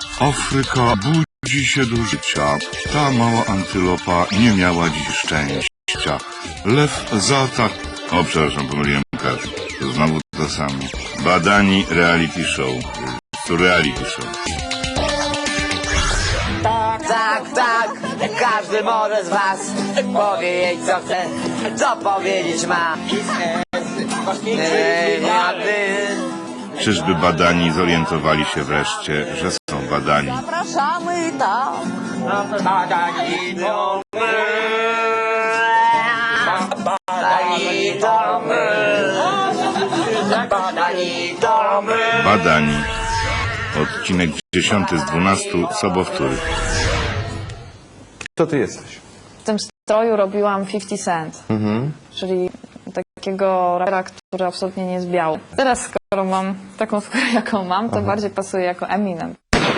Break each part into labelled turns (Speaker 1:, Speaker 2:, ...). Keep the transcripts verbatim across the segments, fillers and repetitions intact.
Speaker 1: Afryka budzi się do życia. Ta mała antylopa nie miała dziś szczęścia. Lew zaatak... O, przepraszam, pomyliłem każdy. To znowu to samo. Badani reality show. To reality show.
Speaker 2: Tak, tak, tak, każdy może z was powie jej co chce, co powiedzieć ma. Ej, młody.
Speaker 1: Czyżby badani zorientowali się wreszcie, że są badani?
Speaker 2: Zapraszamy tam. Badani to my. Badani to my. Badani to my.
Speaker 1: Badani. Odcinek dziesiąty z dwunastu sobowtórych.
Speaker 3: Kto ty jesteś?
Speaker 4: W tym stroju robiłam fifty cent,
Speaker 3: Mhm.
Speaker 4: czyli takiego rapera, który absolutnie nie jest biały. Teraz, skoro mam taką skórę, jaką mam, to
Speaker 3: Aha.
Speaker 4: bardziej pasuje jako Eminem.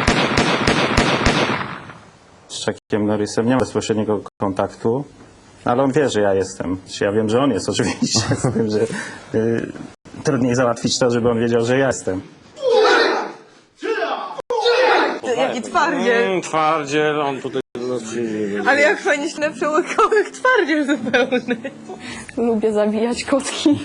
Speaker 5: Z Chuckiem Norrisem nie ma bezpośredniego kontaktu, ale on wie, że ja jestem. Ja wiem, że on jest oczywiście, z tym, że y, trudniej załatwić to, żeby on wiedział, że ja jestem.
Speaker 6: Jaki twardziel.
Speaker 5: Mm, twardziel, on tutaj...
Speaker 6: Ale jak fajnie się na przełykałek twardziel zupełny.
Speaker 4: Lubię zabijać kotki.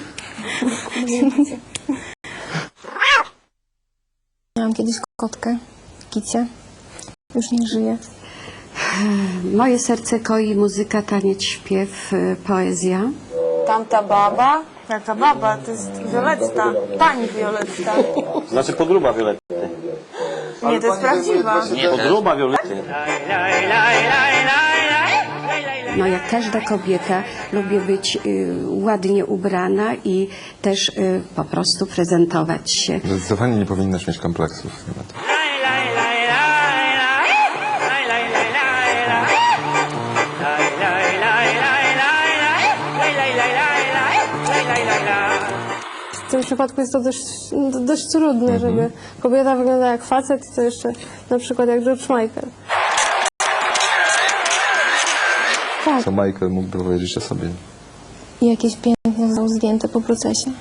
Speaker 7: Miałam kiedyś kotkę, Kicie. Już nie żyje.
Speaker 8: Moje serce koi muzyka, taniec, śpiew, y, poezja.
Speaker 6: Tamta baba. Jaka baba? To jest Violetta. Pani Violetta.
Speaker 5: Znaczy podróba Violetty.
Speaker 6: Nie, to jest prawdziwa.
Speaker 5: Podróba Violetty.
Speaker 8: No jak każda kobieta lubię być y, ładnie ubrana i też y, po prostu prezentować się.
Speaker 3: Zdecydowanie nie powinnaś mieć kompleksów.
Speaker 7: W tym przypadku jest to dość, dość trudne, żeby kobieta wyglądała jak facet, to jeszcze na przykład jak George Michael. Tak,
Speaker 3: Co Michael mógłby powiedzieć o sobie?
Speaker 7: i jakieś piękne zostało zdjęte po procesie.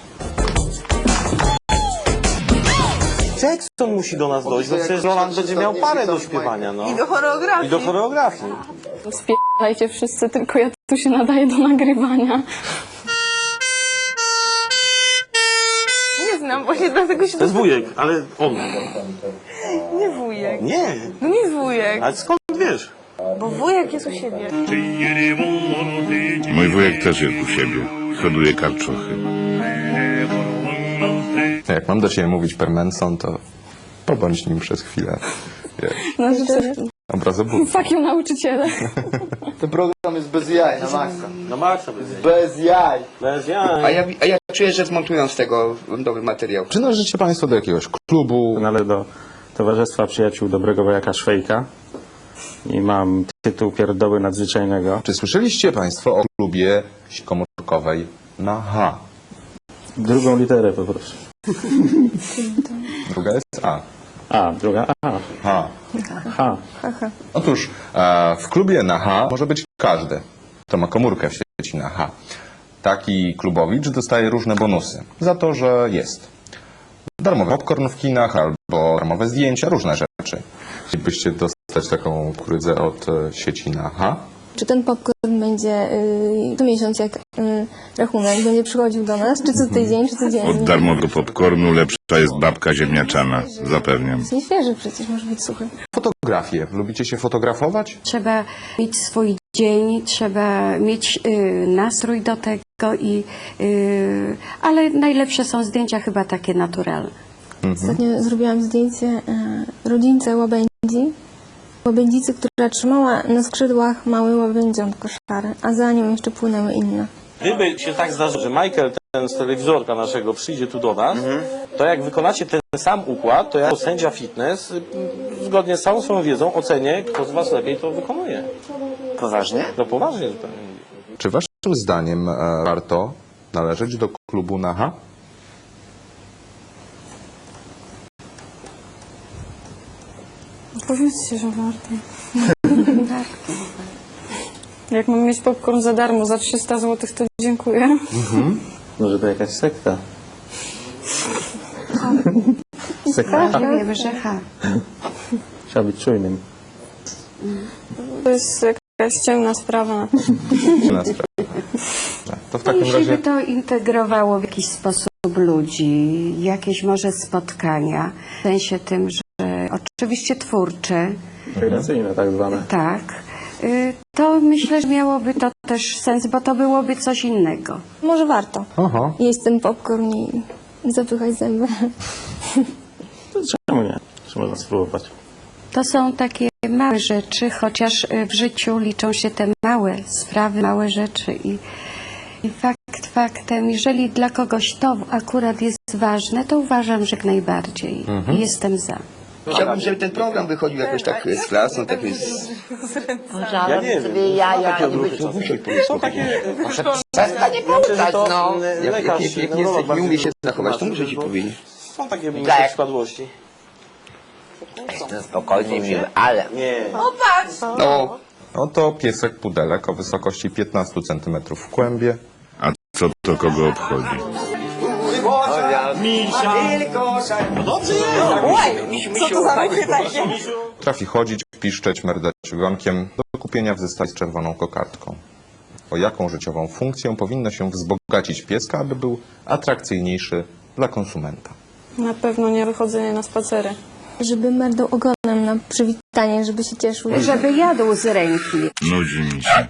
Speaker 5: Jackson musi do nas dojść, bo przecież Roland będzie miał parę do śpiewania, no.
Speaker 6: I do choreografii.
Speaker 5: I do choreografii.
Speaker 4: Spierdajcie wszyscy, tylko ja tu się nadaję do nagrywania.
Speaker 6: Nie znam, właśnie dlatego się...
Speaker 5: To jest wujek, ale on.
Speaker 6: Nie wujek.
Speaker 5: Nie,
Speaker 6: No nie wujek,
Speaker 5: ale skąd wiesz?
Speaker 6: bo wujek jest u siebie.
Speaker 1: Mój wujek też jest u siebie. Hoduje karczochy.
Speaker 3: Jak mam do ciebie mówić per Manson, to pobądź nim przez chwilę. Wiesz,
Speaker 4: No życzę.
Speaker 3: obrazobójca.
Speaker 4: Fuck you, nauczyciele.
Speaker 9: Ten program jest bez jaj, na maksa.
Speaker 5: No Maxa bez
Speaker 9: Bez jaj.
Speaker 5: Bez jaj.
Speaker 9: A ja, a ja czuję, że zmontują z tego dobry materiał.
Speaker 3: Czy należycie państwo do jakiegoś klubu?
Speaker 5: Należę do Towarzystwa Przyjaciół Dobrego Wojaka Szwejka i mam tytuł Pierdoły Nadzwyczajnego.
Speaker 3: Czy słyszeliście państwo o klubie komórkowej na H?
Speaker 5: Drugą literę poproszę.
Speaker 3: Druga jest A.
Speaker 5: A, druga A.
Speaker 3: H.
Speaker 5: H.
Speaker 3: Otóż e, w klubie na H może być każdy, kto ma komórkę w sieci na H. Taki klubowicz dostaje różne bonusy za to, że jest. Darmowy popcorn w kinach albo darmowe zdjęcia, różne rzeczy. Chcielibyście dostać taką kurydzę od e, sieci na H?
Speaker 7: Czy ten popcorn będzie y, co miesiąc jak y, rachunek, będzie przychodził do nas, czy co tydzień, czy codziennie?
Speaker 1: Od darmowego popcornu lepsza jest babka ziemniaczana. Zapewniam.
Speaker 7: Jest nieświeży przecież, może być suchy.
Speaker 3: Fotografie. Lubicie się fotografować?
Speaker 8: Trzeba mieć swój dzień, trzeba mieć y, nastrój do tego, i, y, ale najlepsze są zdjęcia chyba takie naturalne.
Speaker 7: Ostatnio zrobiłam zdjęcie y, rodzince łabędzi. Łabędzicy, która trzymała na skrzydłach mały łabędziątko szare, a za nią jeszcze płynęły inne.
Speaker 5: Gdyby się tak zdarzyło, że Michael, ten z telewizorka naszego, przyjdzie tu do nas, to jak wykonacie ten sam układ, to ja jako sędzia fitness, y, zgodnie z całą swoją wiedzą, ocenię, kto z was lepiej to wykonuje.
Speaker 9: Poważnie?
Speaker 5: No poważnie zupełnie.
Speaker 3: Czy waszym zdaniem e, warto należeć do klubu na H?
Speaker 4: Powiedzcie, że warto. Jak mam mieć popcorn za darmo, za trzysta złotych, to dziękuję.
Speaker 5: Może to jakaś sekta?
Speaker 8: Ja wiemy, że H.
Speaker 5: Trzeba być czujnym.
Speaker 6: To jest jakaś ciemna sprawa.
Speaker 3: Na sprawę. To w takim
Speaker 8: Jeśli by
Speaker 3: razie
Speaker 8: to integrowało w jakiś sposób ludzi, jakieś może spotkania, w sensie tym, że oczywiście twórcze,
Speaker 5: Integracyjne tak zwane.
Speaker 8: tak, y, to myślę, że miałoby to też sens, bo to byłoby coś innego.
Speaker 7: Może warto
Speaker 3: Aha.
Speaker 7: jeść ten popcorn i zapychać zęby.
Speaker 5: Czemu nie? Czy można spróbować?
Speaker 8: To są takie małe rzeczy, chociaż y, w życiu liczą się te małe sprawy, małe rzeczy i, i fakt faktem, jeżeli dla kogoś to akurat jest ważne, to uważam, że jak najbardziej i jestem za.
Speaker 9: Chciałbym, żeby ten program wychodził jakoś tak z klasą, tak z...
Speaker 2: Żaden
Speaker 5: nie
Speaker 2: sobie
Speaker 5: wiem.
Speaker 2: jaja.
Speaker 5: Są takie...
Speaker 2: Przestań nie pouczać,
Speaker 5: to
Speaker 2: no.
Speaker 5: y,
Speaker 9: Jak,
Speaker 5: lekarz,
Speaker 9: jak, jak, jak,
Speaker 5: neurolog
Speaker 9: nie, jak nie umie się
Speaker 5: bardzo
Speaker 9: zachować, to
Speaker 5: tłumaczy,
Speaker 9: muszę ci
Speaker 5: że
Speaker 9: powiedzieć.
Speaker 5: Są takie mniejsze
Speaker 2: Tak.
Speaker 5: przypadłości.
Speaker 2: No spokojnie, miły, ale...
Speaker 5: Nie.
Speaker 9: No,
Speaker 3: oto piesek pudelek o wysokości piętnaście centymetrów w kłębie.
Speaker 1: A co to kogo obchodzi?
Speaker 3: Trafi chodzić, piszczeć, merdać ogonkiem, do kupienia w zestawie z czerwoną kokardką. O jaką życiową funkcję powinno się wzbogacić pieska, aby był atrakcyjniejszy dla konsumenta?
Speaker 6: Na pewno nie wychodzenie na spacery.
Speaker 7: Żeby merdał ogonem na przywitanie, żeby się cieszył.
Speaker 8: Żeby jadł z ręki.
Speaker 1: Nudzi mi się.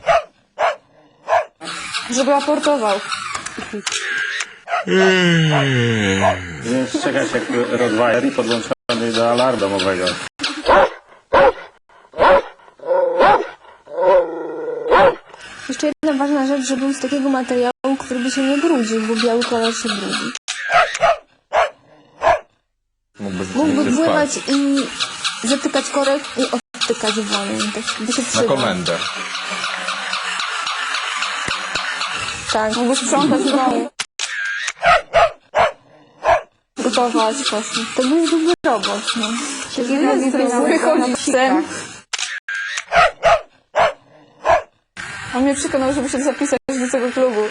Speaker 6: Żeby aportował.
Speaker 5: Więc czekać jak Rottweiler i podłączony do alarmu domowego.
Speaker 7: Jeszcze jedna ważna rzecz, żeby był z takiego materiału, który by się nie brudził, bo biały kolor się brudzi.
Speaker 3: Mógłby
Speaker 7: Mógłby
Speaker 3: rzeczywiście
Speaker 7: pływać
Speaker 3: spać.
Speaker 7: i zatykać korek i odtykać wolniej. Tak by się
Speaker 3: Na
Speaker 7: przydał.
Speaker 3: komendę.
Speaker 6: Tak, mógłby sprzątać w domu. Gotować właśnie.
Speaker 7: To byłby robot, no.
Speaker 6: Wychodzi psem. On mnie przekonał, żeby się zapisać do tego klubu.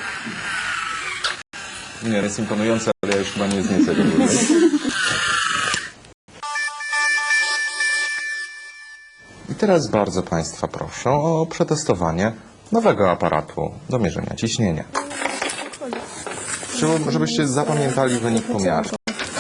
Speaker 3: Nie, jest imponujące, ale ja już chyba nie zniecę tego dłużej. I teraz bardzo Państwa proszę o przetestowanie nowego aparatu do mierzenia ciśnienia. Chciałbym, żebyście zapamiętali wynik pomiaru.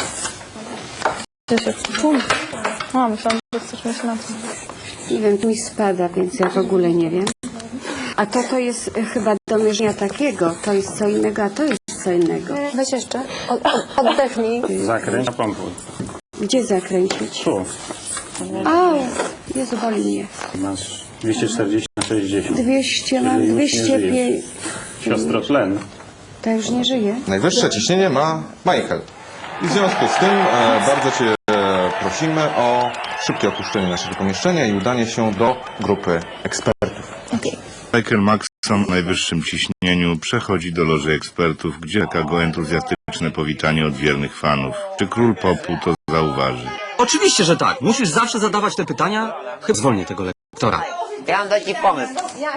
Speaker 6: A, myślałam, że chcesz mieć na to.
Speaker 8: Nie wiem, mi spada, więc ja w ogóle nie wiem. A to to jest e, chyba do mierzenia takiego, to jest co innego, a to jest co innego.
Speaker 7: Weź jeszcze. Od, od, oddechnij.
Speaker 5: Zakręć na pompę.
Speaker 8: Gdzie zakręcić?
Speaker 5: Tu.
Speaker 8: Au, Jezu, boli mnie.
Speaker 5: Masz dwieście czterdzieści na sześćdziesiąt.
Speaker 8: dwieście, mam
Speaker 5: Jeżeli już nie
Speaker 8: dwieście pięć.
Speaker 5: żyjesz. Siostro tlen.
Speaker 8: To już nie żyje.
Speaker 3: Najwyższe ciśnienie ma Michael. I w związku z tym e, bardzo Cię e, prosimy o szybkie opuszczenie naszego pomieszczenia i udanie się do grupy ekspertów.
Speaker 7: Okej.
Speaker 1: Michael Maxon w najwyższym ciśnieniu przechodzi do loży ekspertów, gdzie czeka go entuzjastyczne powitanie od wiernych fanów. Czy król popu to zauważy?
Speaker 10: Oczywiście, że tak. Musisz zawsze zadawać te pytania. Chyba zwolnię tego lektora.
Speaker 2: Ja mam taki pomysł.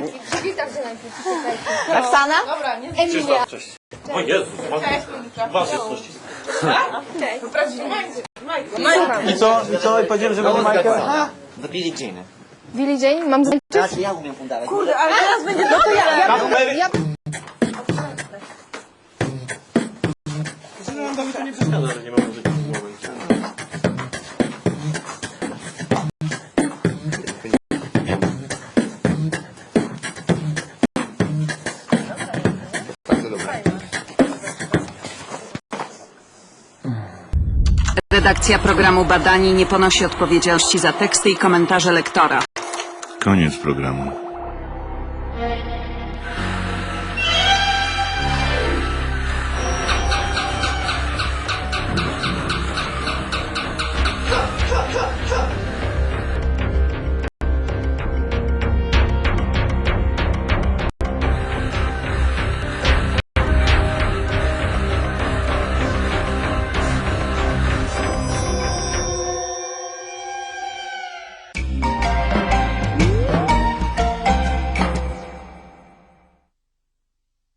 Speaker 2: Roxana?
Speaker 7: Emilia.
Speaker 5: O Jezu, was jest
Speaker 2: I co? I co? I powiedziałem, że będzie Michael? Do Billie Jean.
Speaker 7: Billie Jean, mam zaliczyć?
Speaker 2: Znaczy ja umiem udawać.
Speaker 6: Kurde, ale teraz będzie... No to ja, ja, ja...
Speaker 5: to nie przeszkadza, że nie ma muzyki w głowie.
Speaker 11: Redakcja programu Badani nie ponosi odpowiedzialności za teksty i komentarze lektora.
Speaker 1: Koniec programu.